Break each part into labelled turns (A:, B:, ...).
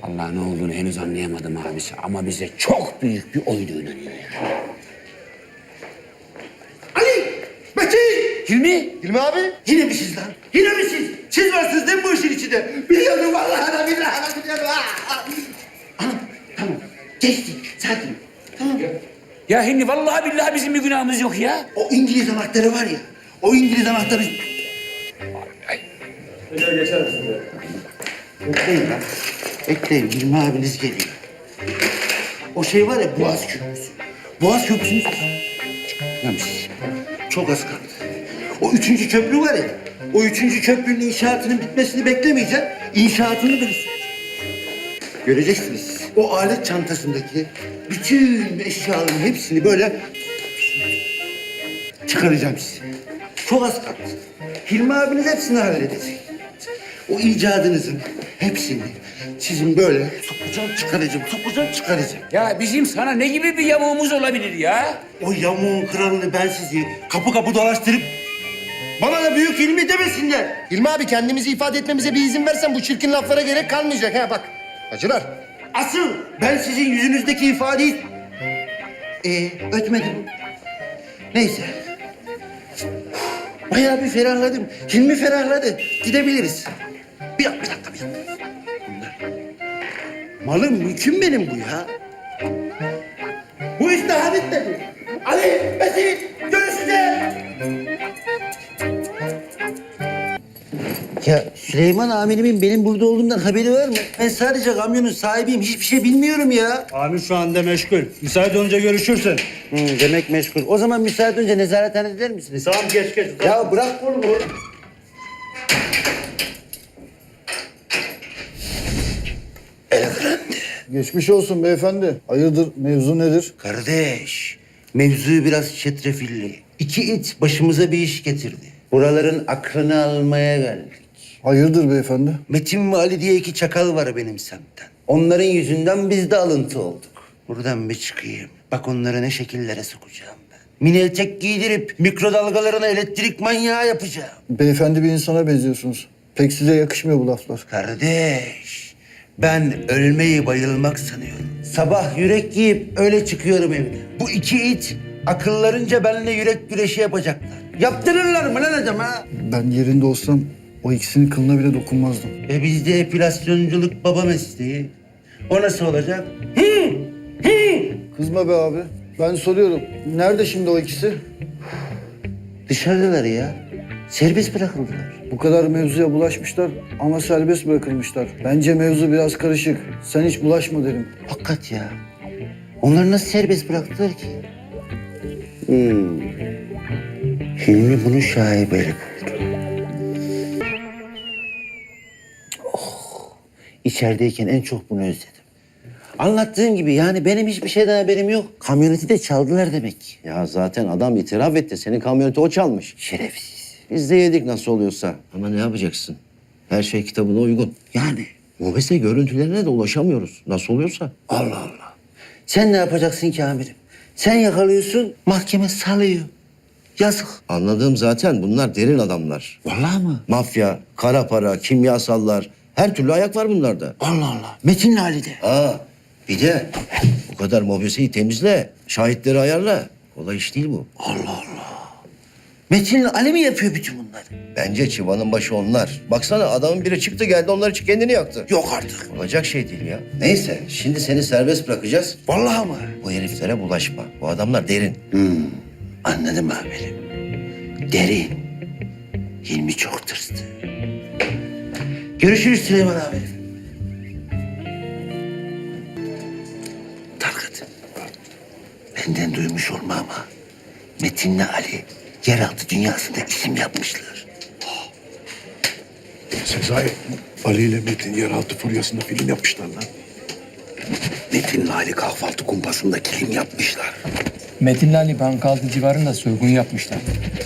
A: Allah ne olduğunu henüz anlayamadım abisi ama bize çok büyük bir oyun oynanıyor yani.
B: Ali! Metin!
A: Hilmi?
B: Hilmi abi? Yine mi siz lan? Yine mi siz? Siz varsınız değil mi bu işin içinde? Biliyordum vallahi da billahi da biliyordum. Anam tamam. Geçti. Sakin. Tamam.
A: Ya Hilmi vallahi billahi bizim bir günahımız yok ya.
B: O İngiliz anahtarı var ya. O İngiliz anahtarı...
C: Hocam geçer misin ya?
B: Bekleyin lan. Bekleyin. Hilmi abiniz geliyor. O şey var ya Boğaz Köprüsü. Boğaz Köprüsü'nü... Çıkarmış. Çok az kaldı. O 3. köprü var ya. O 3. köprünün inşaatının bitmesini beklemeyeceğim. İnşaatını bilirsin. Göreceksiniz. O alet çantasındaki bütün eşyaların hepsini böyle çıkaracağım size. Çok az kaldı. Hilmi abiniz hepsini halledecek. O icadınızın hepsini sizin böyle sokacağım, çıkaracağım.
A: Ya bizim sana ne gibi bir yamuğumuz olabilir ya?
B: O yamuğun kralını ben sizi kapı kapı dolaştırıp bana da büyük Hilmi demesinler.
D: Hilmi abi kendimizi ifade etmemize bir izin versen bu çirkin laflara gerek kalmayacak ha bak. Acılar.
B: Asıl ben sizin yüzünüzdeki ifadeyi... ötmedim. Neyse. Bayağı bir ferahladım. Hilmi ferahladı. Gidebiliriz. Bir dakika. Bunlar. Malım mülküm benim bu ya. Bu iş daha bitmedi. Ali, Metin, görüşeceğiz. Ya Süleyman amirimin benim burada olduğumdan haberi var mı? Ben sadece kamyonun sahibiyim. Hiçbir şey bilmiyorum ya.
C: Amir şu anda meşgul. Müsait olunca görüşürsün.
B: Demek meşgul. O zaman müsaade önce nezarethanede eder misiniz?
C: Tamam geç.
B: Ya bırak kolumu.
E: Geçmiş olsun beyefendi. Hayırdır, mevzu nedir?
B: Kardeş, mevzu biraz çetrefilli. 2 it başımıza bir iş getirdi. Buraların aklını almaya geldik.
E: Hayırdır beyefendi?
B: Metin ve Ali diye 2 çakal var benim semtten. Onların yüzünden biz de alıntı olduk. Buradan bir çıkayım. Bak onları ne şekillere sokacağım ben. Mini etek giydirip mikrodalgalarına elektrik manyağı yapacağım.
E: Beyefendi bir insana benziyorsunuz. Pek size yakışmıyor bu laflar.
B: Kardeş, ben ölmeyi bayılmak sanıyorum. Sabah yürek giyip öyle çıkıyorum evden. Bu 2 it akıllarınca benimle yürek güreşi yapacaklar. Yaptırırlar mı lan adam ha?
E: Ben yerinde olsam o ikisinin kılına bile dokunmazdım.
B: Bizde epilasyonculuk baba mesleği. O nasıl olacak?
E: Kızma be abi. Ben soruyorum. Nerede şimdi o ikisi?
B: Dışarıdalar ya. Serbest bırakıldılar.
E: Bu kadar mevzuya bulaşmışlar ama serbest bırakılmışlar. Bence mevzu biraz karışık. Sen hiç bulaşma derim.
B: Hakikat ya. Onları nasıl serbest bıraktılar ki? Hilmi bunu şaibeli buldu. İçerideyken en çok bunu özledim. Anlattığım gibi yani benim hiçbir şeyden haberim yok. Kamyoneti de çaldılar demek ki.
F: Ya zaten adam itiraf etti. Senin kamyoneti o çalmış.
B: Şerefsiz.
F: Biz de yedik nasıl oluyorsa. Ama ne yapacaksın? Her şey kitabına uygun.
B: Yani
F: Mobese görüntülerine de ulaşamıyoruz. Nasıl oluyorsa.
B: Allah Allah. Sen ne yapacaksın ki amirim? Sen yakalıyorsun, mahkeme salıyor. Yazık.
F: Anladığım zaten bunlar derin adamlar.
B: Vallahi mı?
F: Mafya, kara para, kimyasallar. Her türlü ayak var bunlarda.
B: Allah Allah. Metin'le Ali'de.
F: Bir de bu kadar mobeseyi temizle. Şahitleri ayarla. Kolay iş değil bu.
B: Allah Allah. Metin'le Ali mi yapıyor bütün bunları?
F: Bence çıvanın başı onlar. Baksana adamın biri çıktı geldi onlar için kendini yaktı.
B: Yok artık.
F: Olacak şey değil ya. Neyse şimdi seni serbest bırakacağız.
B: Vallahi mı?
F: Bu heriflere bulaşma. Bu adamlar derin.
B: Anladım amirim. Derin. Hilmi çok tırstı. Görüşürüz Süleyman amirim. Tarkat. Benden duymuş olma ama Metin'le Ali yeraltı dünyasında isim yapmışlar.
G: Sezai, Ali ile Metin yeraltı furyasında film yapmışlar lan.
B: Metin'le Ali kahvaltı kumpasında kilim yapmışlar.
H: Metin'le Ali Bankaltı civarında soygun yapmışlar.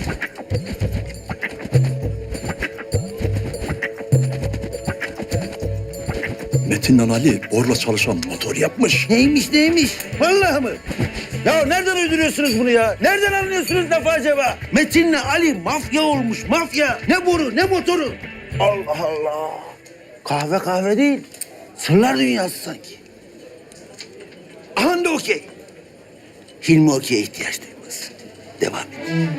G: Metin'le Ali borla çalışan motor yapmış.
B: Neymiş? Vallahi mı? Ya nereden uyduruyorsunuz bunu ya? Nereden anlıyorsunuz lafı acaba? Metin'le Ali mafya olmuş, mafya. Ne boru, ne motoru. Allah Allah. Kahve değil. Sırlar dünyası sanki. Aha da okey. Hilmi okey'e ihtiyaç duymaz. Devam et.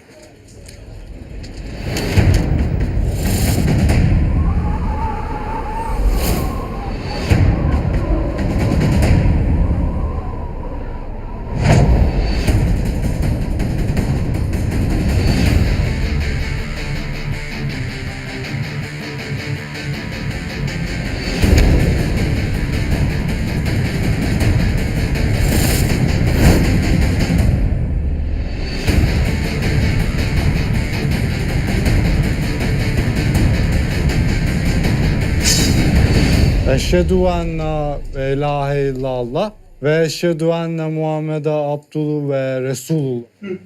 C: Eşhedü enne ve ilahe illallah ve eşhedü enne Muhammed'e abdülü ve resulullah.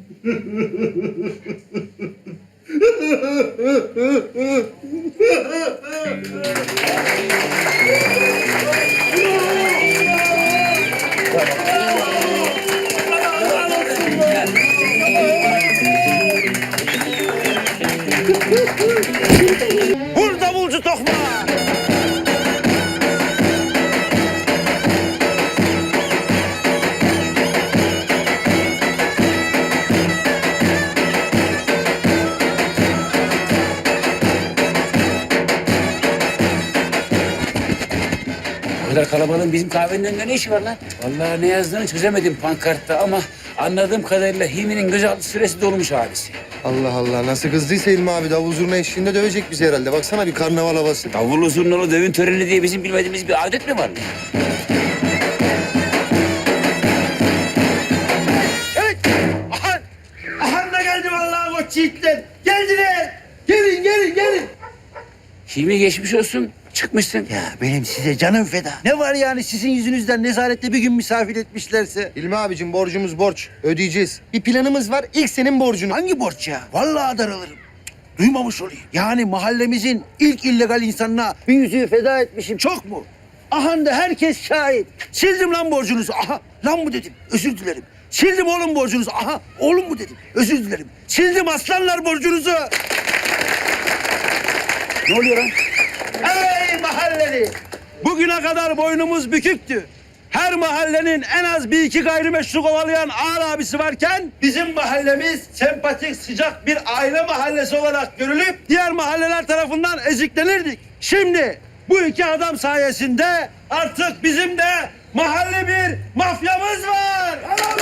B: Vur davulcu tokma!
A: Bu kadar kalabalığın bizim kahvenin önünde ne işi var lan? Vallahi ne yazdığını çözemedim pankartta ama anladığım kadarıyla Hilmi'nin gözaltı süresi dolmuş abisi.
D: Allah Allah, nasıl kızdıysa İlmi abi davul zurna eşliğinde dövecek bizi herhalde. Baksana bir karnaval havası.
A: Davullu zurnalı düğün töreni diye bizim bilmediğimiz bir adet mi var?
B: Evet. Aha. Aha da geldi vallahi koç yiğitler. Geldiler. Gelin, gelin, gelin.
A: Hilmi geçmiş olsun. Çıkmışsın.
B: Ya benim size canım feda. Ne var yani sizin yüzünüzden nezarette bir gün misafir etmişlerse?
D: İlmi abicim borcumuz borç. Ödeyeceğiz. Bir planımız var. İlk senin borcunu.
B: Hangi borç ya? Vallahi daralırım. Duymamış olayım. Yani mahallemizin ilk illegal insanına bir yüzüğü feda etmişim. Çok mu? Aha da herkes şahit. Sildim lan borcunuzu. Aha lan mı dedim. Özür dilerim. Sildim oğlum borcunuzu. Aha oğlum mu dedim. Özür dilerim. Sildim aslanlar borcunuzu.
A: Ne oluyor lan?
B: Ey mahalleli! Bugüne kadar boynumuz büküktü. Her mahallenin en az bir iki gayrimeşru kovalayan ağır abisi varken bizim mahallemiz sempatik, sıcak bir aile mahallesi olarak görülüp diğer mahalleler tarafından eziklenirdik. Şimdi bu iki adam sayesinde artık bizim de mahalle bir mafyamız var.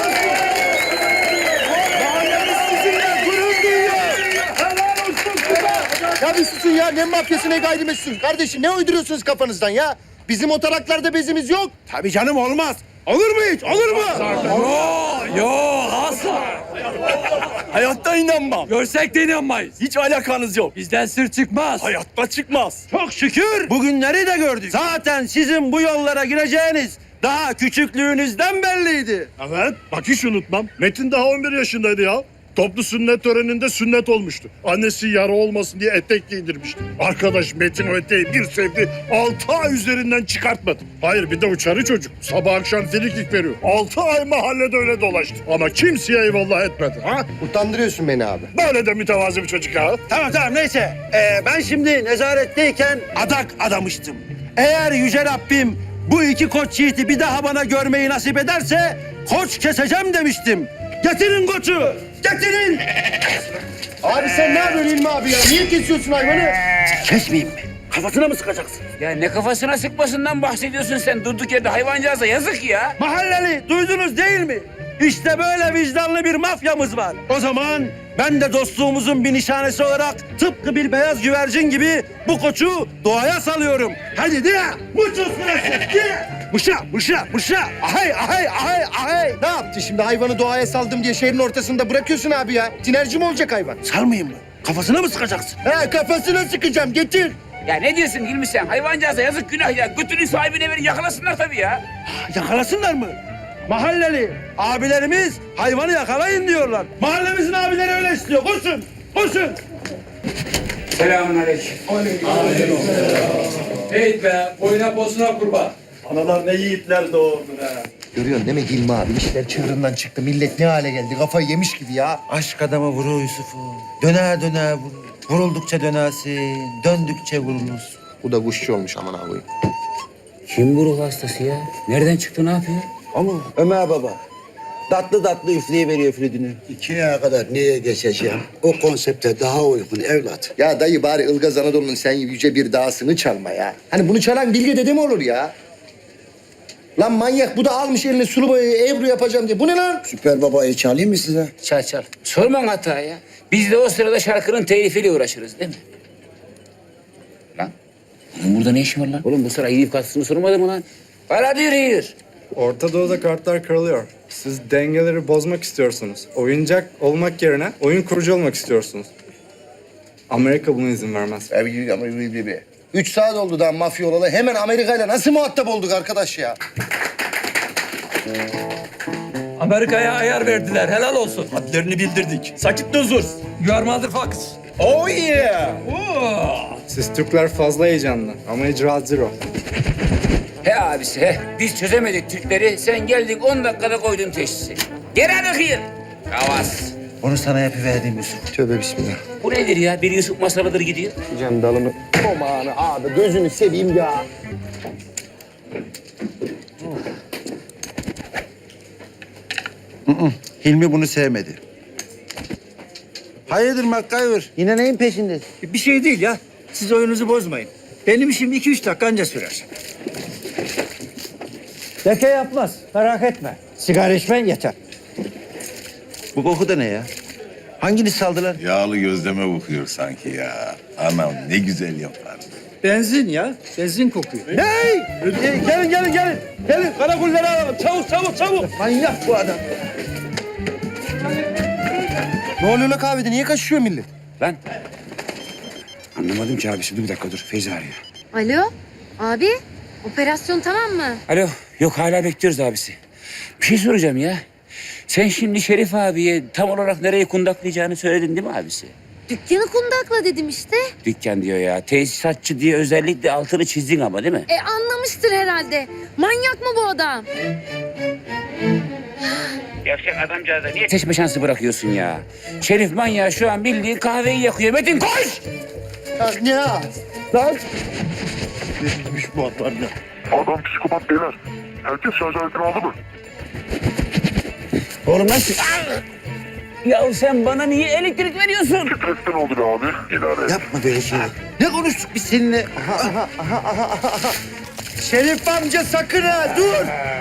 B: Mahallemiz sizinle gurur duyuyor. Helal olsun size.
D: Ya bir susun ya. Ne mafyası ne gayrimeşru. Kardeşim ne uyduruyorsunuz kafanızdan ya? Bizim o taraklarda bezimiz yok.
B: Tabii canım olmaz. Olur mu hiç? Olur mu?
G: Yo asla. Hayatta inanmam. Görsek de inanmayız. Hiç alakanız yok. Bizden sır çıkmaz. Hayatta çıkmaz.
B: Çok şükür bugünleri de gördük. Zaten sizin bu yollara gireceğiniz daha küçüklüğünüzden belliydi.
G: Evet. Bak hiç unutmam. Metin daha 11 yaşındaydı ya. Toplu sünnet töreninde sünnet olmuştu. Annesi yara olmasın diye etek giydirmişti. Arkadaş Metin o eteği bir sevdi. 6 ay üzerinden çıkartmadı. Hayır bir de uçarı çocuk. Sabah akşam frikik veriyor. 6 ay mahallede öyle dolaştı. Ama kimseye eyvallah etmedi. Ha?
D: Utandırıyorsun beni abi.
G: Böyle de mütevazi bir çocuk ya.
B: Tamam neyse. Ben şimdi nezaretteyken adak adamıştım. Eğer Yüce Rabbim bu iki koç yiğiti bir daha bana görmeyi nasip ederse koç keseceğim demiştim. Getirin koçu. Getirin.
D: Abi sen ne yapıyorsun İlmi abi ya? Niye kesiyorsun hayvanı?
B: Kesmeyeyim mi? Kafasına mı sıkacaksın?
A: Ya ne kafasına sıkmasından bahsediyorsun sen durduk yerde hayvancağıza yazık ya.
B: Mahalleli duydunuz değil mi? İşte böyle vicdanlı bir mafyamız var. O zaman ben de dostluğumuzun bir nişanesi olarak tıpkı bir beyaz güvercin gibi bu koçu doğaya salıyorum. Hadi de muçuz sırası de. Mışa. Ahay.
D: Ne yaptı şimdi? Hayvanı doğaya saldım diye şehrin ortasında bırakıyorsun abi ya. Tinerci mi olacak hayvan?
B: Salmayayım mı? Kafasına mı sıkacaksın?
D: He kafasına sıkacağım. Getir.
A: Ya ne diyorsun Hilmi sen? Hayvancağıza yazık günah ya. Götünün sahibine verin yakalasınlar tabii ya.
B: Yakalasınlar mı? Mahalleli abilerimiz hayvanı yakalayın diyorlar. Mahallemizin abileri öyle istiyor. Koşun.
A: Selamünaleyküm.
H: Hey be, boyuna posuna kurban.
G: Analar ne yiğitler doğurdu ha.
D: Görüyorsun değil mi Hilmi abi? İşler çığırından çıktı. Millet ne hale geldi? Kafayı yemiş gibi ya.
F: Aşk adama vurur Yusuf'u. Döner vurur. Vuruldukça dönersin, döndükçe vurulursun.
D: Bu da kuşçu olmuş aman abi.
A: Kim bu ruh hastası ya? Nereden çıktı, ne yapıyor?
F: Ama Ömer baba tatlı tatlı üfleye veriyor flütünü.
I: İkiye kadar neye geçeceğim? O konsepte daha uygun evlat.
D: Ya dayı bari Ilgaz Anadolu'nun sen yüce bir dağısını çalma ya. Hani bunu çalan Bilge dede mi olur ya? Lan manyak bu da almış eline sulu boyayı Ebru yapacağım diye. Bu ne lan?
I: Süper babayı çalayım mı size?
A: Çal çal. Sorman hata ya. Biz de o sırada şarkının telifiyle uğraşırız değil mi? Lan. Bunun burada ne işi var lan? Oğlum bu sıra yiyip katsını sormadı mı lan? Hala diyor.
C: Orta Doğu'da kartlar kırılıyor. Siz dengeleri bozmak istiyorsunuz. Oyuncak olmak yerine oyun kurucu olmak istiyorsunuz. Amerika buna izin vermez.
D: 3 saat oldu daha mafya olalı. Hemen Amerika ile nasıl muhatap olduk arkadaş ya?
J: Amerika'ya ayar verdiler. Helal olsun. Hadlerini bildirdik. Sakit huzur. You are motherfuckers. Oh yeah. Oh.
C: Siz Türkler fazla heyecanlı ama icra zero.
A: He abisi he. Biz çözemedik Türkleri. Sen geldin 10 dakikada koydun teşhisi. Geri bakayım. Havas.
F: Onu sana yapıverdim Yusuf.
D: Tövbe bismillah.
A: Bu nedir ya? Bir Yusuf masalıdır gidiyor.
D: Can dalını. Aman abi gözünü seveyim ya.
B: Hilmi bunu sevmedi. Hayırdır MacGyver?
F: Yine neyin peşinde?
J: Bir şey değil ya. Siz oyununuzu bozmayın. Benim işim 2-3 dakika anca sürer. Leke yapmaz. Merak etme. Sigara içmen yeter.
B: Bu koku da ne ya? Hanginiz saldılar?
K: Yağlı gözleme kokuyor sanki ya. Anam ne güzel yapar.
J: Benzin ya. Benzin kokuyor.
D: Gelin. Gelin karakolları alalım. Çabuk. Manyak bu adam. Ne oluyor la kahvede? Niye kaçışıyor millet?
A: Lan. Anlamadım ki abi. Şimdi bir dakika dur. Feyza arıyor.
L: Alo, abi operasyon tamam mı?
A: Alo. Yok hala bekliyoruz abisi. Bir şey soracağım ya. Sen şimdi Şerif abiye tam olarak nereye kundaklayacağını söyledin değil mi abisi?
L: Dükkanı kundakla dedim işte.
A: Dükkan diyor ya. Tesisatçı diye özellikle altını çizdin ama değil mi?
L: Anlamıştır herhalde. Manyak mı bu adam?
A: Yavşak adamcağıza niye seçme şansı bırakıyorsun ya? Şerif manyağı şu an bildiğin kahveyi yakıyor. Metin koş!
D: Ne ya? Lan.
G: Neymiş bu adlar ne? Adam psikopat beyler. Herkes şarj aletini aldı mı?
A: Oğlum nasıl? Ya sen bana niye elektrik veriyorsun?
G: Stresten oldu be abi. İdare et.
B: Yapma böyle şeyler. Ne konuştuk biz seninle?
D: Şerif amca sakın ha dur.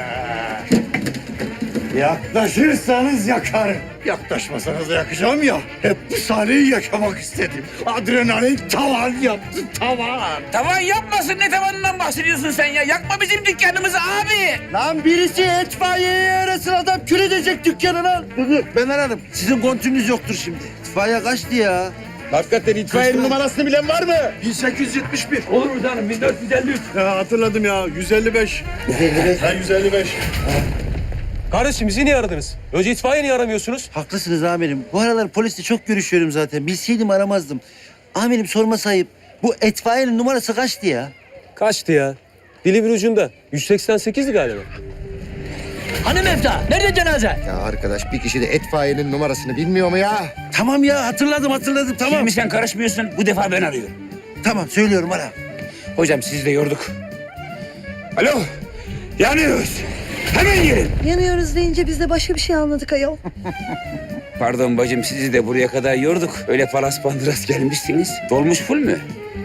G: Yaklaşırsanız yakarım. Yaklaşmasanız da yakacağım ya. Hep bu sahneyi yaşamak istedim. Adrenalin tavan yaptı, tavan.
A: Tavan yapmasın, ne tavanından bahsediyorsun sen ya? Yakma bizim dükkanımızı abi.
D: Lan birisi itfaiyeyi arasın adam kül edecek dükkanı lan.
B: Ben ararım. Sizin kontünüz yoktur şimdi. İtfaiye kaçtı ya.
D: Hakikaten itfaiyenin numarasını bilen var mı?
G: 1871.
J: Olur mu canım? 1453.
G: Ya hatırladım ya. 155. 155. Ben 155.
J: Kardeşim bizi niye aradınız? Önce itfaiye niye aramıyorsunuz?
B: Haklısınız amirim. Bu aralar polisle çok görüşüyorum zaten. Bilseydim aramazdım. Amirim sorma sayıp bu itfaiyenin numarası kaçtı ya?
J: Kaçtı ya? Dili bir ucunda. 188'di galiba.
H: Hani Mefta? Nerede cenaze?
D: Ya arkadaş bir kişi de itfaiyenin numarasını bilmiyor mu ya?
B: Tamam ya hatırladım tamam.
A: Şimdi sen karışmıyorsun, bu defa ben arıyorum.
B: Tamam söylüyorum ara.
A: Hocam sizi de yorduk. Alo, yanıyoruz. Hemen gelin.
L: Yanıyoruz deyince biz de başka bir şey anladık ayol.
A: Pardon bacım, sizi de buraya kadar yorduk. Öyle palas pandıras gelmişsiniz. Dolmuş full mü?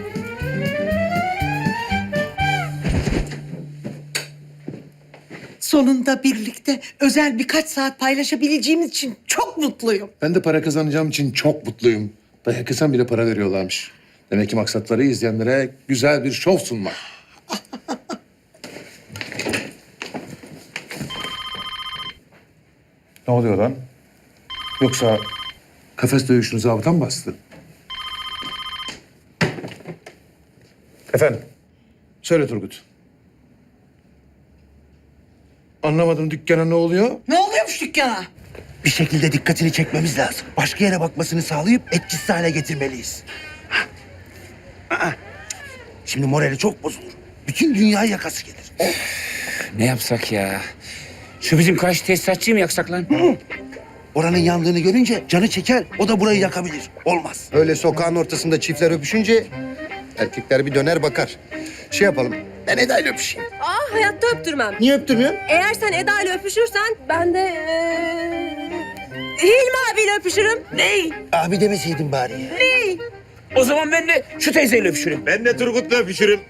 M: Sonunda birlikte özel birkaç saat paylaşabileceğimiz için çok mutluyum.
I: Ben de para kazanacağım için çok mutluyum. Dayak yesem bile para veriyorlarmış. Demek ki maksatları izleyenlere güzel bir şov sunmak. Ne oluyor lan? Yoksa kafes dövüşünü zabıta mı bastı? Efendim? Söyle Turgut. Anlamadım dükkana ne oluyor?
M: Ne oluyormuş dükkana?
B: Bir şekilde dikkatini çekmemiz lazım. Başka yere bakmasını sağlayıp etkisiz hale getirmeliyiz. Şimdi morali çok bozulur. Bütün dünya yakası gelir.
A: Ne yapsak ya? Şu bizim karşı tesisatçıyı mı yaksak lan?
B: Oranın yandığını görünce canı çeker, o da burayı yakabilir. Olmaz.
D: Öyle sokağın ortasında çiftler öpüşünce erkekler bir döner bakar. Şey yapalım, Ben Eda ile öpüşeyim.
L: Hayatta öptürmem.
D: Niye öptürmüyorsun?
L: Eğer sen Eda ile öpüşürsen ben de Hilmi abiyle öpüşürüm. Ney?
D: Abi demeseydin bari ya.
L: Ney?
A: O zaman ben de şu teyzeyle öpüşürüm.
G: Ben de Turgut'la öpüşürüm.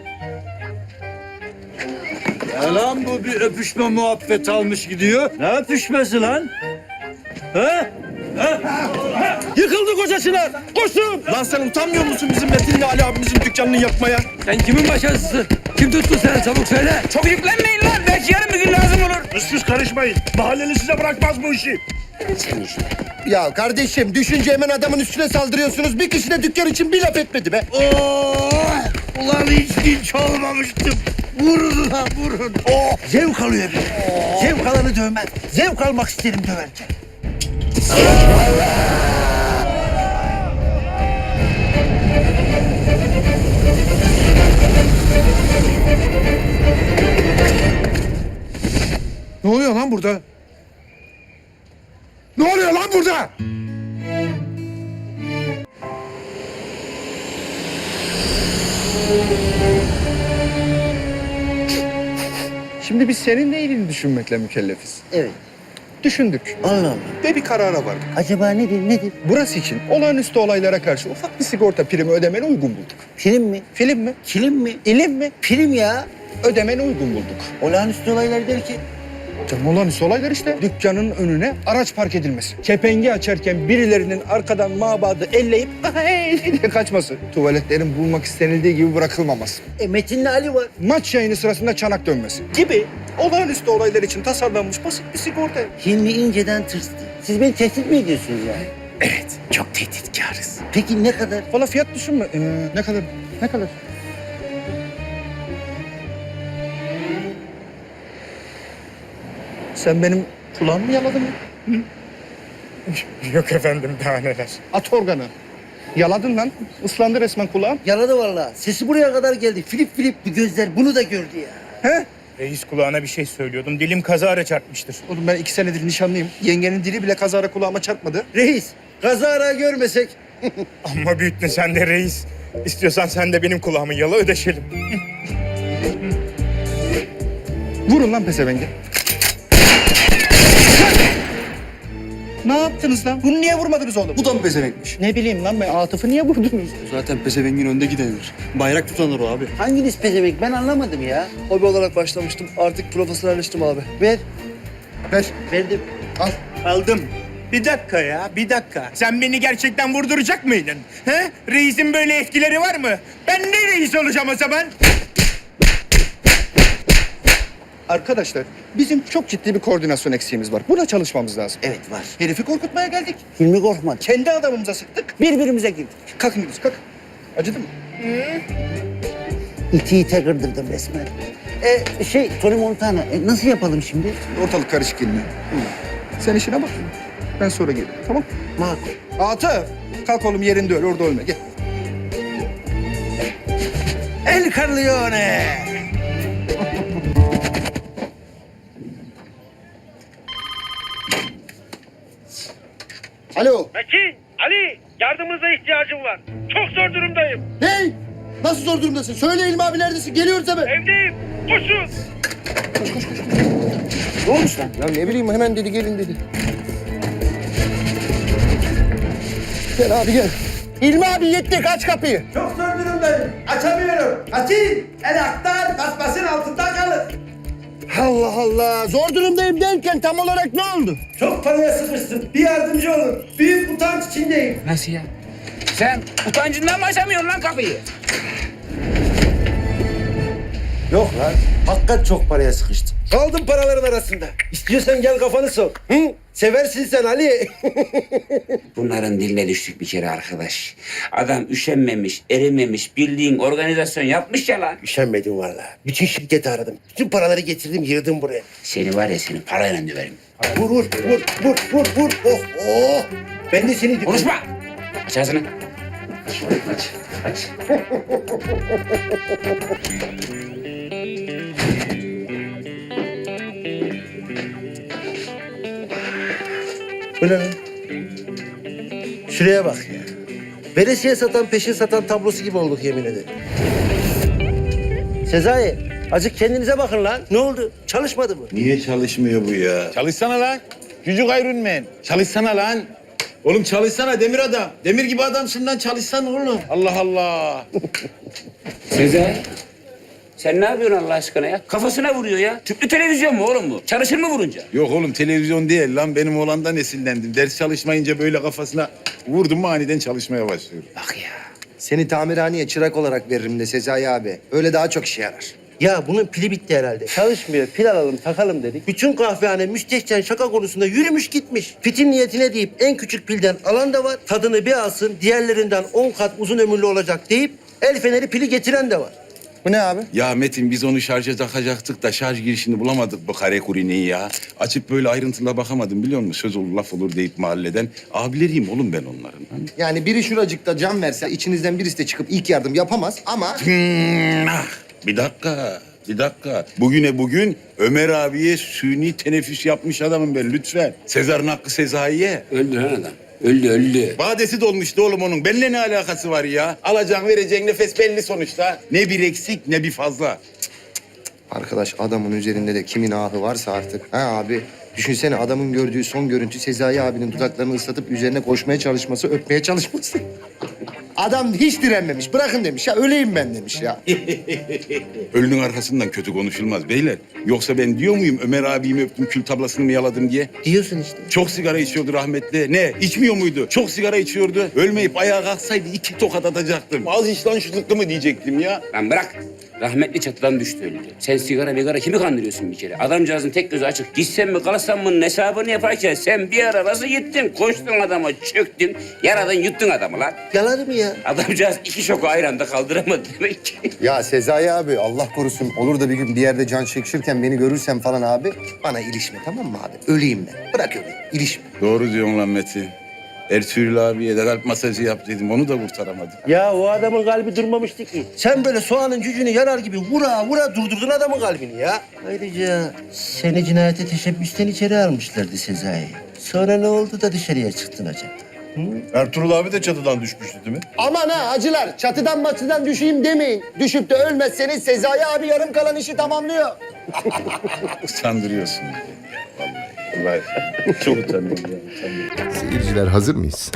J: Lan bu bir öpüşme muhabbet almış gidiyor. Ne öpüşmesi lan? Ha? Yıkıldı kocasına. Koşun. Lan sen utanmıyor musun bizim Metin'le Ali abimizin dükkanını yapmaya? Sen kimin başarısısın? Kim tuttu seni? Çabuk söyle.
A: Çok yüklenmeyin lan. Belki yarın bir gün lazım olur.
G: Siz karışmayın. Mahalleli size bırakmaz bu işi.
A: Sen işte.
D: Ya kardeşim düşünce hemen adamın üstüne saldırıyorsunuz. Bir kişi de dükkan için bir laf etmedi be.
J: Ulan hiç dinç olmamıştım. Vurun lan vurun.
D: Zevk alıyor bir. Zevk alanı dövmez. Zevk almak isterim döverken.
I: Ne oluyor lan burada? Ne oluyor lan burada?
C: Şimdi biz senin de iyiliğini düşünmekle mükellefiz.
D: Evet.
C: Düşündük
D: Allah Allah.
C: ve bir karara vardık.
D: Acaba nedir?
C: Burası için olağanüstü olaylara karşı ufak bir sigorta primi ödemeni uygun bulduk.
D: Film mi?
C: Film mi?
D: Kilim mi?
C: İlim mi?
D: Film ya.
C: Ödemeni uygun bulduk.
D: Olağanüstü olaylar derken.
C: Canım olağanüstü olaylar işte. Dükkanın önüne araç park edilmesi. Kepengi açarken birilerinin arkadan mabadı elleyip "Hey!" diye kaçması. Tuvaletlerin bulmak istenildiği gibi bırakılmaması.
D: Metin'le Ali var.
C: Maç yayını sırasında çanak dönmesi gibi olağanüstü olaylar için tasarlanmış basit bir sigorta.
D: Hilmi inceden tırstı. Siz beni tehdit mi ediyorsunuz yani?
A: Evet. Çok tehditkarız.
D: Peki ne kadar?
C: Valla fiyat düşünme. Ne kadar? Ne kadar? Sen benim kulağımı mı yaladın mı?
H: Yok efendim daha neler.
C: At organı. Yaladın lan. Islandı resmen kulağım.
D: Yaladı vallahi. Sesi buraya kadar geldi. Filip bir gözler bunu da gördü ya.
C: He?
H: Reis kulağına bir şey söylüyordum. Dilim kazara çarpmıştır.
C: Oğlum ben 2 senedir nişanlıyım. Yengenin dili bile kazara kulağıma çarpmadı.
D: Reis, kazara görmesek.
H: Amma büyüttün sen de reis. İstiyorsan sen de benim kulağımı yala ödeşelim.
C: Vurun lan pezevenge. Ne yaptınız lan? Bunu niye vurmadınız oğlum?
E: Bu da mı pezevenkmiş?
C: Ne bileyim lan ben Atıf'ı niye vurdunuz?
E: Zaten pezevengin önde gidenidir. Bayrak tutanır o abi.
D: Hanginiz pezevenk ben anlamadım ya.
E: Hobi olarak başlamıştım. Artık profesyonelleştim abi.
D: Ver.
C: Ver.
D: Verdim. Al.
H: Aldım. Bir dakika ya, bir dakika. Sen beni gerçekten vurduracak mıydın? He? Reisin böyle etkileri var mı? Ben ne reis olacağım o zaman?
C: Arkadaşlar bizim çok ciddi bir koordinasyon eksiğimiz var. Buna çalışmamız lazım.
D: Evet var.
C: Herifi korkutmaya geldik.
D: Hilmi korkma.
C: Kendi adamımıza sıktık.
D: Birbirimize girdik.
C: Kalkın gidiyoruz kalk. Acıdı mı?
D: İti ite kırdırdım resmen. Tony Montana. Nasıl yapalım şimdi?
C: Ortalık karışık Hilmi. Sen işine bak. Ben sonra gelirim tamam?
D: Makul.
C: Atıf. Kalk oğlum yerinde öl orada ölme gel.
D: El Corleone. Alo.
G: Metin, Ali, yardımınıza ihtiyacım var. Çok zor durumdayım.
D: Ne? Nasıl zor durumdasın? Söyle İlmi abi neredesin? Geliyoruz hemen.
G: Evdeyim. Koşun.
D: Ne olmuş lan? Ya ne bileyim hemen dedi gelin dedi. Gel abi gel. İlmi abi yettik aç kapıyı.
J: Çok zor durumdayım. Açamıyorum. Açayım. El aktar kasmasın altında kalır.
D: Allah Allah. Zor durumdayım derken tam olarak ne oldu?
J: Çok paraya sıkıştım. Bir yardımcı olun. Büyük utanç içindeyim.
A: Nasıl ya? Sen utancından mı açamıyorsun lan kapıyı?
D: Yok lan. Hakikat çok paraya sıkıştım.
J: Kaldım paraların arasında. İstiyorsan gel kafanı sok. Hı? Seversin sen Ali.
A: Bunların diline düştük bir kere arkadaş. Adam üşenmemiş, erimemiş, bildiğin organizasyon yapmış ya lan.
D: Üşenmedim vallahi. Bütün şirketi aradım. Bütün paraları getirdim yığdım buraya.
A: Seni var ya seni parayla döverim.
D: Vur. Oh oh. Ben de seni...
A: Konuşma! Aç ağzını. Aç.
D: Bu ne lan? Şuraya bak ya. Veresiye satan, peşin satan tablosu gibi olduk yemin ederim.
F: Sezai, azıcık kendinize bakın lan. Ne oldu? Çalışmadı mı?
K: Niye çalışmıyor bu ya? Çalışsana lan. Çocuk Iron Çalışsana lan. Oğlum çalışsana demir adam. Demir gibi adamsın lan, çalışsana oğlum. Allah Allah.
A: Sezai. Sen ne yapıyorsun Allah aşkına ya? Kafasına vuruyor ya. Tüplü televizyon mu oğlum bu? Çalışır mı vurunca?
K: Yok oğlum, televizyon değil lan. Benim oğlandan esinlendim. Ders çalışmayınca böyle kafasına vurdum mu aniden çalışmaya başlıyor.
A: Bak ya.
D: Seni tamirhaneye çırak olarak veririm de Sezai abi. Öyle daha çok işe yarar.
F: Ya bunun pili bitti herhalde. Çalışmıyor. Pil alalım, takalım dedik. Bütün kahvehane müstehcen şaka konusunda yürümüş gitmiş. Fitin niyetine deyip en küçük pilden alan da var. Tadını bir alsın, diğerlerinden 10 kat uzun ömürlü olacak deyip el feneri pili getiren de var.
B: Bu ne abi?
K: Ya Metin, biz onu şarja takacaktık da şarj girişini bulamadık bu kare kurineyi ya. Açıp böyle ayrıntıla bakamadım, biliyor musun? Söz olur laf olur deyip mahalleden. Abileriyim oğlum ben onların.
D: Yani biri şuracıkta can verse içinizden birisi de çıkıp ilk yardım yapamaz ama...
K: Bir dakika. Bugüne bugün Ömer abiye suni teneffüs yapmış adamım ben, lütfen. Sezar'ın hakkı Sezai'ye.
A: Öldü lan adam. Öldü.
K: Badesi dolmuştu oğlum onun. Benimle ne alakası var ya? Alacağın vereceğin nefes belli sonuçta. Ne bir eksik ne bir fazla.
D: Arkadaş adamın üzerinde de kimin ahı varsa artık. Ha abi düşünsene adamın gördüğü son görüntü Sezai abinin dudaklarını ıslatıp üzerine koşmaya çalışması, öpmeye çalışması. Adam hiç direnmemiş. Bırakın demiş ya, öleyim ben demiş ya.
K: Ölünün arkasından kötü konuşulmaz beyler. Yoksa ben diyor muyum Ömer abimi öptüm, kül tablasını mı yaladım diye?
F: Diyorsun işte.
K: Çok sigara içiyordu rahmetli. Ne? İçmiyor muydu? Çok sigara içiyordu. Ölmeyip ayağa kalksaydı 2 tokat atacaktım. Az iç lan şu zıkkı mı diyecektim ya.
A: Lan bırak. Rahmetli çatıdan düştü öldü. Sen sigara kimi kandırıyorsun bir kere? Adamcağızın tek gözü açık. Gitsen mi kalırsan mı hesabını yaparken sen bir ara nasıl gittin? Koştun adama, çöktün. Yaradan yuttun adamı lan.
F: Yalan mı ya?
A: Adamcağız 2 şoku aynı anda kaldıramadı demek ki.
D: Ya Sezai abi Allah korusun olur da bir gün bir yerde can çekişirken beni görürsen falan abi bana ilişme, tamam mı abi? Öleyim ben. Bırak öleyim. İlişme.
K: Doğru diyorsun lan Metin. Ertuğrul abiye de kalp masajı yap dedim. Onu da kurtaramadım.
F: Ya o adamın kalbi durmamıştı ki. Sen böyle soğanın cücüğünü yarar gibi vura durdurdun adamın kalbini ya. Ayrıca seni cinayete teşebbüsten içeri almışlardı Sezai. Sonra ne oldu da dışarıya çıktın acaba?
I: Ertuğrul abi de çatıdan düşmüştü değil mi?
D: Aman ha hacılar çatıdan maçıdan düşeyim demeyin. Düşüp de ölmezseniz Sezai abi yarım kalan işi tamamlıyor.
K: Utandırıyorsun. Vallahi. Vallahi. Çok utanıyorum ya.
N: Seyirciler hazır mıyız?